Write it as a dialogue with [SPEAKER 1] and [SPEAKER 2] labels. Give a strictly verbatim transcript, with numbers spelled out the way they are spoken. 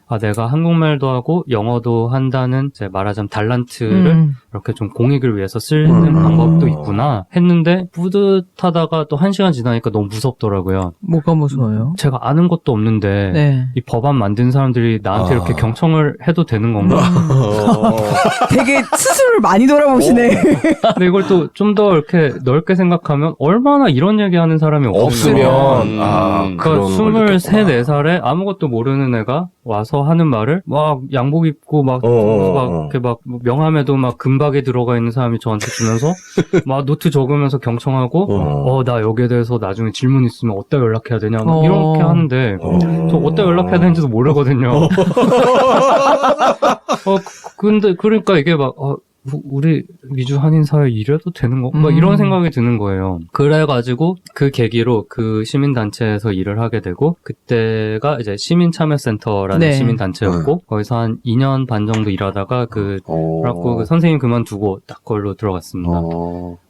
[SPEAKER 1] 아, 내가 한국말도 하고 영어도 한다는 이제 말하자면 달란트를
[SPEAKER 2] 음.
[SPEAKER 1] 이렇게 좀 공익을 위해서 쓰는
[SPEAKER 3] 음.
[SPEAKER 1] 방법도 있구나 했는데 뿌듯하다가 또 한 시간 지나니까 너무 무섭더라고요.
[SPEAKER 2] 뭐가 무서워요?
[SPEAKER 1] 제가 아는 것도 없는데
[SPEAKER 2] 네.
[SPEAKER 1] 이 법안 만든 사람들이 나한테
[SPEAKER 3] 아.
[SPEAKER 1] 이렇게 경청을 해도 되는 건가?
[SPEAKER 2] 되게 스스로를 많이 돌아보시네.
[SPEAKER 1] 근데 이걸 또 좀 더 이렇게 넓게 생각하면 얼마나 이런 얘기하는 사람이 없으면
[SPEAKER 3] 없으면 아
[SPEAKER 1] 그러니까
[SPEAKER 3] 그런 걸
[SPEAKER 1] 스물세,
[SPEAKER 3] 느꼈구나.
[SPEAKER 1] 네 살에 아무것도 모르는 애가 와서 하는 말을 막 양복 입고 막,
[SPEAKER 3] 어, 어,
[SPEAKER 1] 막
[SPEAKER 3] 어.
[SPEAKER 1] 이렇게 막 명함에도 막 금박에 들어가 있는 사람이 저한테 주면서 막 노트 적으면서 경청하고
[SPEAKER 3] 어.
[SPEAKER 1] 어, 나 여기에 대해서 나중에 질문 있으면 어디다 연락해야 되냐 막
[SPEAKER 2] 어.
[SPEAKER 1] 이렇게 하는데
[SPEAKER 3] 어.
[SPEAKER 1] 저 어디다 연락해야 되는지도 모르거든요. 어, 그- 근데 그러니까 이게 막 어, 우- 우리 미주 한인 사회 이래도 되는 거? 막
[SPEAKER 2] 음.
[SPEAKER 1] 이런 생각이 드는 거예요. 그래가지고 그 계기로 그 시민단체에서 일을 하게 되고 그때가 이제 시민참여센터라는
[SPEAKER 2] 네.
[SPEAKER 1] 시민단체였고 거기서 한 이 년 반 정도 일하다가 그
[SPEAKER 3] 어.
[SPEAKER 1] 그래갖고 그 선생님 그만두고 딱 걸로 들어갔습니다.
[SPEAKER 3] 어.